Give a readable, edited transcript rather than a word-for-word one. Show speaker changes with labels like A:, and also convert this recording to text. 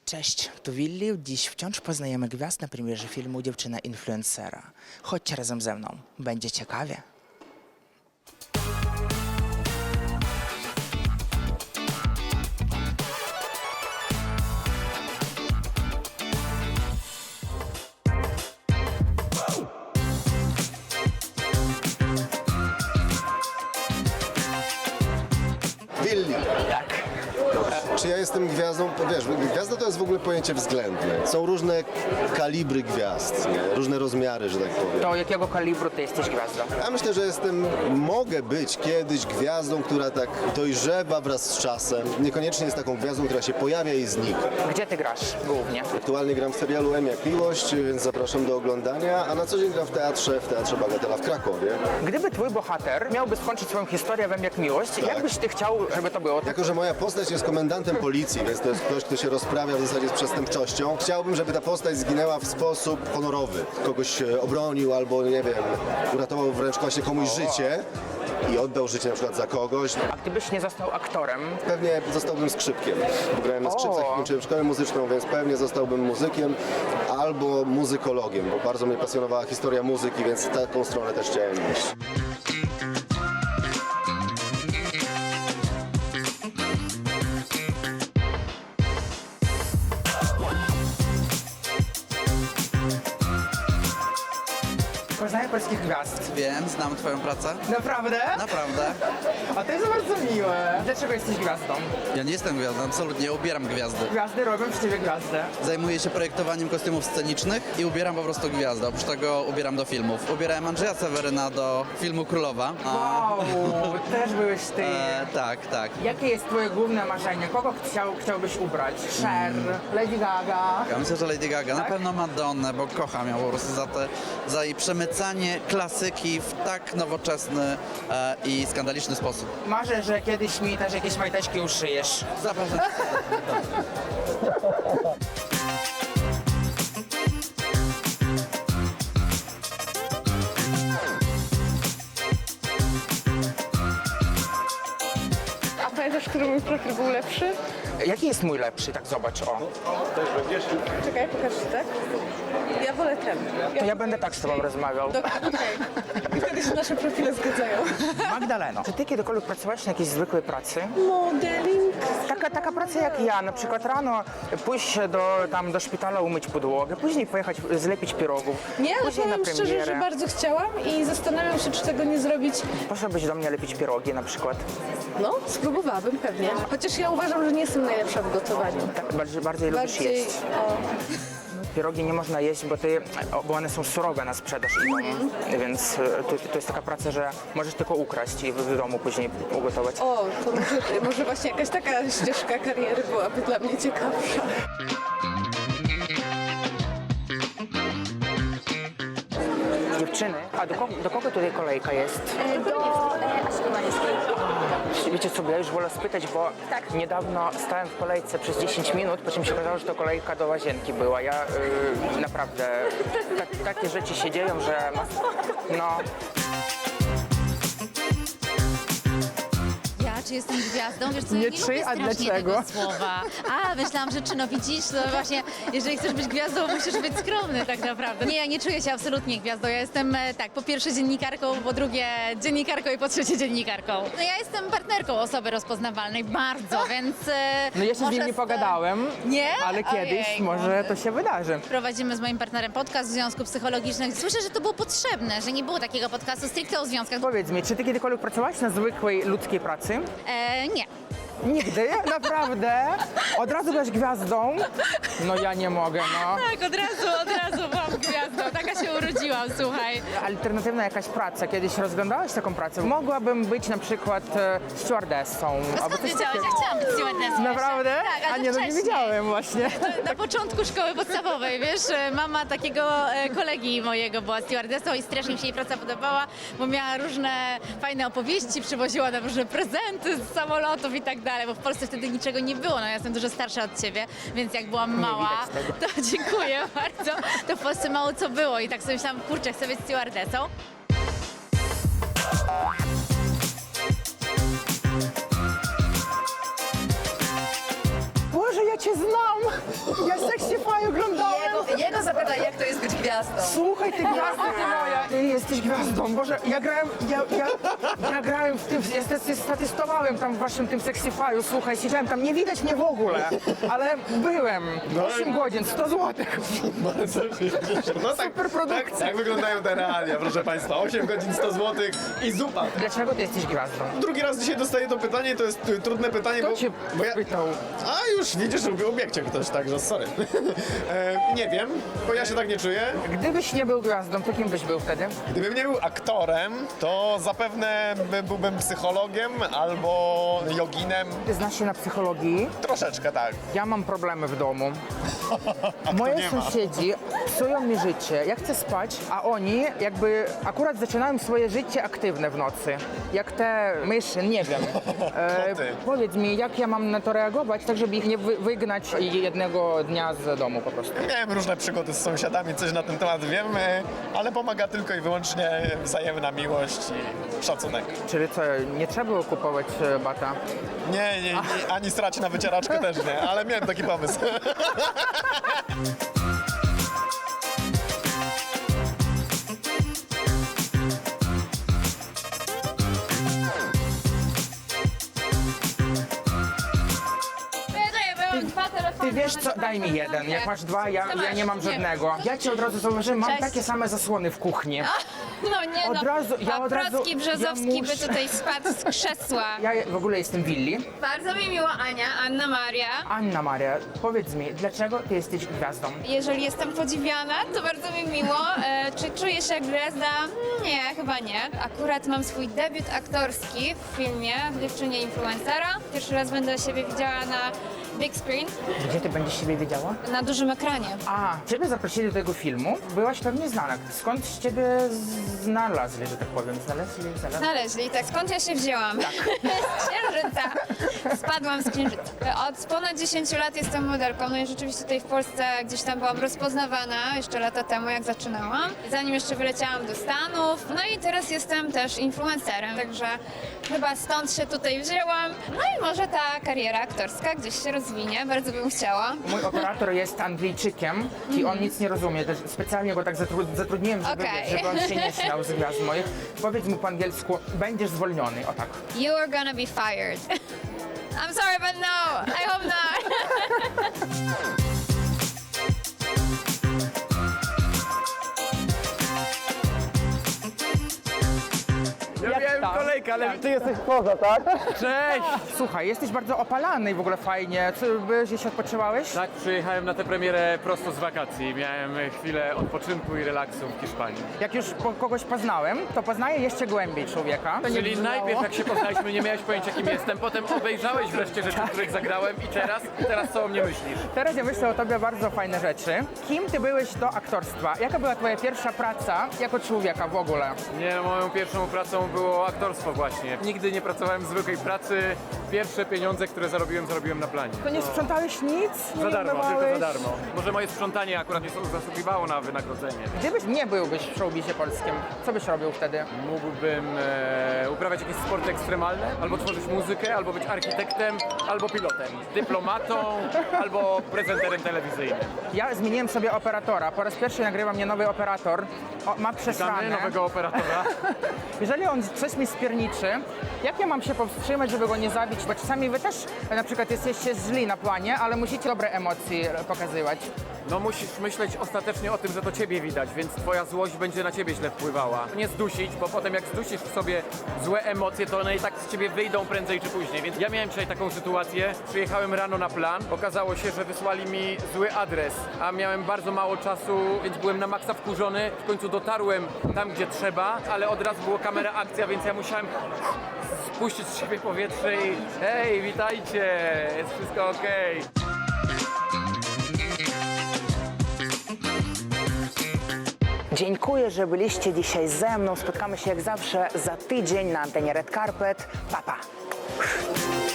A: Cześć, tu Willi. Dziś wciąż poznajemy gwiazd na premierze filmu Dziewczyna influencera. Chodźcie razem ze mną, będzie ciekawie.
B: Willi. Czy ja jestem gwiazdą? Wiesz, gwiazda to jest w ogóle pojęcie względne. Są różne kalibry gwiazd, nie? Różne rozmiary, że tak powiem.
A: To jakiego kalibru ty jesteś gwiazdą?
B: Ja myślę, że mogę być kiedyś gwiazdą, która tak dojrzewa wraz z czasem. Niekoniecznie jest taką gwiazdą, która się pojawia i znika.
A: Gdzie ty grasz głównie?
B: Aktualnie gram w serialu M jak Miłość, więc zapraszam do oglądania, a na co dzień gram w Teatrze Bagatela w Krakowie.
A: Gdyby twój bohater miałby skończyć swoją historię w M jak Miłość, jak byś ty chciał, żeby to było?
B: Jako że moja postać jest komendantem policji, więc to jest ktoś, kto się rozprawia w zasadzie z przestępczością, chciałbym, żeby ta postać zginęła w sposób honorowy. Kogoś obronił albo, nie wiem, uratował wręcz właśnie komuś życie i oddał życie na przykład za kogoś.
A: A gdybyś nie został aktorem,
B: Pewnie zostałbym skrzypkiem, bo grałem na skrzypcach i kończyłem szkołę muzyczną, więc pewnie zostałbym muzykiem albo muzykologiem, bo bardzo mnie pasjonowała historia muzyki, więc w taką stronę też chciałem iść.
A: poznaję polskich gwiazd.
C: Wiem, znam twoją pracę.
A: Naprawdę?
C: Naprawdę.
A: A to jest bardzo miłe. Dlaczego jesteś gwiazdą?
C: Ja nie jestem gwiazdą, absolutnie ubieram gwiazdy.
A: Gwiazdy robią z ciebie gwiazdę.
C: Zajmuję się projektowaniem kostiumów scenicznych i ubieram po prostu gwiazdę. Oprócz tego ubieram do filmów. Ubierałem Andrzeja Seweryna do filmu Królowa.
A: Wow, też byłeś ty.
C: Tak, tak.
A: Jakie jest twoje główne marzenie? Kogo chciałbyś ubrać? Cher, Lady Gaga?
C: Ja myślę, że Lady Gaga, na pewno Madonnę, bo kocham ją po prostu za jej przemycanie klasyki w tak nowoczesny i skandaliczny sposób.
A: Marzę, że kiedyś mi też jakieś majteczki uszyjesz.
C: Zapraszam.
D: A pamiętasz, który mój profil był lepszy?
A: Jaki jest mój lepszy? Tak zobacz, o.
D: Czekaj, pokaż ci, tak? Ja wolę ten.
A: To ja będę tak z tobą rozmawiał.
D: Okej. Wtedy się nasze profile zgadzają.
A: Magdaleno, czy ty kiedykolwiek pracowałaś na jakiejś zwykłej pracy?
D: Modeling.
A: Taka praca jak ja, na przykład rano pójść do szpitala umyć podłogę, później pojechać zlepić pierogów,
D: Nie, ale
A: później na
D: powiem szczerze,
A: premierę.
D: że bardzo chciałam i zastanawiam się, czy tego nie zrobić.
A: Poszłabyś do mnie lepić pierogi na przykład.
D: No, spróbowałabym pewnie. Chociaż ja uważam, że nie jestem najlepsza w gotowaniu.
A: Tak bardziej lubisz jeść. Pierogi nie można jeść, bo one są surowe na sprzedaż idą, więc to jest taka praca, że możesz tylko ukraść i w domu później ugotować.
D: O, to może właśnie jakaś taka ścieżka kariery byłaby dla mnie ciekawsza.
A: Dziewczyny, a do kogo tutaj kolejka jest?
E: Do Asi Maniewskiej.
A: Wiecie co, ja już wolę spytać, bo niedawno stałem w kolejce przez 10 minut, po czym się okazało, że to kolejka do łazienki była. Ja naprawdę, takie rzeczy się dzieją, że no...
E: Czy jestem gwiazdą? Wiesz co, ja
A: Nie
E: nie
A: czy,
E: lubię
A: a
E: strasznie
A: dlaczego?
E: tego słowa. A, myślałam, że czy no widzisz, to właśnie, jeżeli chcesz być gwiazdą, musisz być skromny tak naprawdę. Nie, ja nie czuję się absolutnie gwiazdą. Ja jestem tak, po pierwsze dziennikarką, po drugie dziennikarką i po trzecie dziennikarką. No ja jestem partnerką osoby rozpoznawalnej bardzo, więc
A: No ja się z
E: może
A: nim nie pogadałem,
E: Nie?
A: ale kiedyś
E: Ojejku.
A: może to się wydarzy.
E: Prowadzimy z moim partnerem podcast w związku psychologicznych. Słyszę, że to było potrzebne, że nie było takiego podcastu stricte o związkach.
A: Powiedz mi, czy ty kiedykolwiek pracowałaś na zwykłej ludzkiej pracy?
E: Nie.
A: Nigdy? Naprawdę? Od razu byłaś gwiazdą? No ja nie mogę, no.
E: Tak, od razu byłam gwiazdą. Taka się urodziłam, słuchaj.
A: Alternatywna jakaś praca, kiedyś rozglądałaś taką pracę? Mogłabym być na przykład stewardessą.
E: A skąd wiedziałeś? Ja chciałam być stewardessą.
A: Naprawdę?
E: Tak,
A: A
E: ale
A: nie, no nie
E: wcześniej.
A: wiedziałem właśnie.
E: Na początku szkoły podstawowej, wiesz, mama takiego kolegi mojego była stewardessą i strasznie mi się jej praca podobała, bo miała różne fajne opowieści, przywoziła nam różne prezenty z samolotów i tak dalej, bo w Polsce wtedy niczego nie było, no ja jestem dużo starsza od ciebie, więc jak byłam mała, to dziękuję bardzo, to w Polsce mało co było i tak sobie myślałam, kurczę, chcę być stewardessą.
A: Boże, ja cię znam!
D: Zapytaj, jak to jest być gwiazdą.
A: Słuchaj, ty gwiazdo, ty moja! Ty jesteś gwiazdą, Boże, ja grałem w tym, ja statystowałem tam w waszym tym Sexify'u, słuchaj, siedziałem tam, nie widać mnie w ogóle, ale byłem. 8 godzin, 100 złotych.
F: No tak,
A: Super produkcja.
F: tak wyglądają te realia, proszę Państwa. 8 godzin, 100 zł i zupa.
A: Dlaczego ty jesteś gwiazdą?
F: Drugi raz dzisiaj dostaję to pytanie, to jest trudne pytanie,
A: Kto cię
F: bo ja...
A: pytał?
F: A już widzisz, ubiegł ktoś, także sorry. Nie wiem, bo ja się tak nie czuję.
A: Gdybyś nie był gwiazdą, to kim byś był wtedy?
F: Gdybym nie był aktorem, to zapewne byłbym psychologiem albo joginem.
A: Ty znasz się na psychologii?
F: Troszeczkę tak.
A: Ja mam problemy w domu.
F: A
A: Moje
F: kto nie ma?
A: sąsiedzi psują mi życie. Ja chcę spać, a oni jakby akurat zaczynają swoje życie aktywne w nocy. Jak te myszy, nie wiem.
F: Koty.
A: Powiedz mi, jak ja mam na to reagować, tak żeby ich nie wygnać jednego dnia z domu po prostu.
F: Miałem różne przygody z sąsiadami, coś na ten temat wiem, ale pomaga tylko i wyłącznie wzajemna miłość i szacunek.
A: Czyli co, nie trzeba było kupować bata?
F: Nie, ani srać na wycieraczkę też nie, ale miałem taki pomysł.
A: Ty wiesz co, daj mi jeden. Jak masz dwa, ja nie mam żadnego. Ja ci od razu zauważyłem, mam
E: Cześć.
A: takie same zasłony w kuchni.
E: No nie
A: Od razu- ja od razu-
E: Paprocki Brzozowski
A: ja
E: by
A: muszę-
E: tutaj spadł z krzesła.
A: Ja w ogóle jestem Willi.
E: Bardzo mi miło, Ania, Anna Maria.
A: Anna Maria, powiedz mi, dlaczego ty jesteś gwiazdą?
E: Jeżeli jestem podziwiana, to bardzo mi miło. Czy czuję się jak gwiazda? Nie, chyba nie. Akurat mam swój debiut aktorski w filmie Dziewczynie Influencera. Pierwszy raz będę siebie widziała na big screen,
A: Gdzie ty będziesz siebie wiedziała?
E: na dużym ekranie.
A: A, ciebie zaprosili do tego filmu. Byłaś pewnie znana. Skąd ciebie znalazli, że tak powiem? Znaleźli?
E: Znaleźli, tak. Skąd ja się wzięłam? Z księżyca. Spadłam z księżyca. Od ponad 10 lat jestem modelką. No i rzeczywiście tutaj w Polsce gdzieś tam byłam rozpoznawana jeszcze lata temu, jak zaczynałam. Zanim jeszcze wyleciałam do Stanów. No i teraz jestem też influencerem, także chyba stąd się tutaj wzięłam. No i może ta kariera aktorska gdzieś się rozwinie. Bardzo bym chciała.
A: Mój operator jest Angliczykiem i on nic nie rozumie. Też specjalnie go tak zatrudniłem, żeby,
E: Okej.
A: żeby on się nie śmiał z gwiazd moich. Powiedz mu po angielsku, będziesz zwolniony. O tak.
E: You are gonna be fired. I'm sorry, but no. I hope not.
G: Ja miałem kolejkę, ale ty jesteś poza, tak? Cześć!
A: Słuchaj, jesteś bardzo opalany i w ogóle fajnie. Czy gdzieś odpoczywałeś?
G: Tak, przyjechałem na tę premierę prosto z wakacji. Miałem chwilę odpoczynku i relaksu w Hiszpanii.
A: Jak już kogoś poznałem, to poznaję jeszcze głębiej człowieka. To nie
G: Czyli
A: brzmiało.
G: najpierw jak się poznaliśmy, nie miałeś pojęcia kim jestem, potem obejrzałeś wreszcie rzeczy, w których zagrałem i teraz co o mnie myślisz?
A: Teraz ja myślę o tobie bardzo fajne rzeczy. Kim ty byłeś do aktorstwa? Jaka była twoja pierwsza praca jako człowieka w ogóle?
G: Nie, moją pierwszą pracą było aktorstwo właśnie. Nigdy nie pracowałem w zwykłej pracy. Pierwsze pieniądze, które zarobiłem na planie.
A: To nie sprzątałeś nic? Nie
G: Za darmo, tylko
A: umywałeś?
G: za darmo. Może moje sprzątanie akurat nie zasługiwało na wynagrodzenie.
A: Gdybyś nie byłbyś w showbizie polskim, co byś robił wtedy?
G: Mógłbym uprawiać jakieś sporty ekstremalne, albo tworzyć muzykę, albo być architektem, albo pilotem, dyplomatą, albo prezenterem telewizyjnym.
A: Ja zmieniłem sobie operatora. Po raz pierwszy nagrywa mnie nowy operator. Ma
G: Witamy
A: przesrane.
G: nowego operatora.
A: Jeżeli on coś mi spierniczy, jak ja mam się powstrzymać, żeby go nie zabić? Bo czasami wy też na przykład jesteście źli na planie, ale musicie dobre emocje pokazywać.
G: No musisz myśleć ostatecznie o tym, że to ciebie widać, więc twoja złość będzie na ciebie źle wpływała. Nie zdusić, bo potem jak zdusisz w sobie złe emocje, to one i tak z ciebie wyjdą prędzej czy później. Więc ja miałem dzisiaj taką sytuację, przyjechałem rano na plan, okazało się, że wysłali mi zły adres, a miałem bardzo mało czasu, więc byłem na maksa wkurzony. W końcu dotarłem tam, gdzie trzeba, ale od razu była kamera akcja, więc ja musiałem spuścić z siebie powietrze i hej, witajcie, jest wszystko okej.
A: Dziękuję, że byliście dzisiaj ze mną. Spotkamy się jak zawsze za tydzień na antenie Red Carpet. Pa, pa.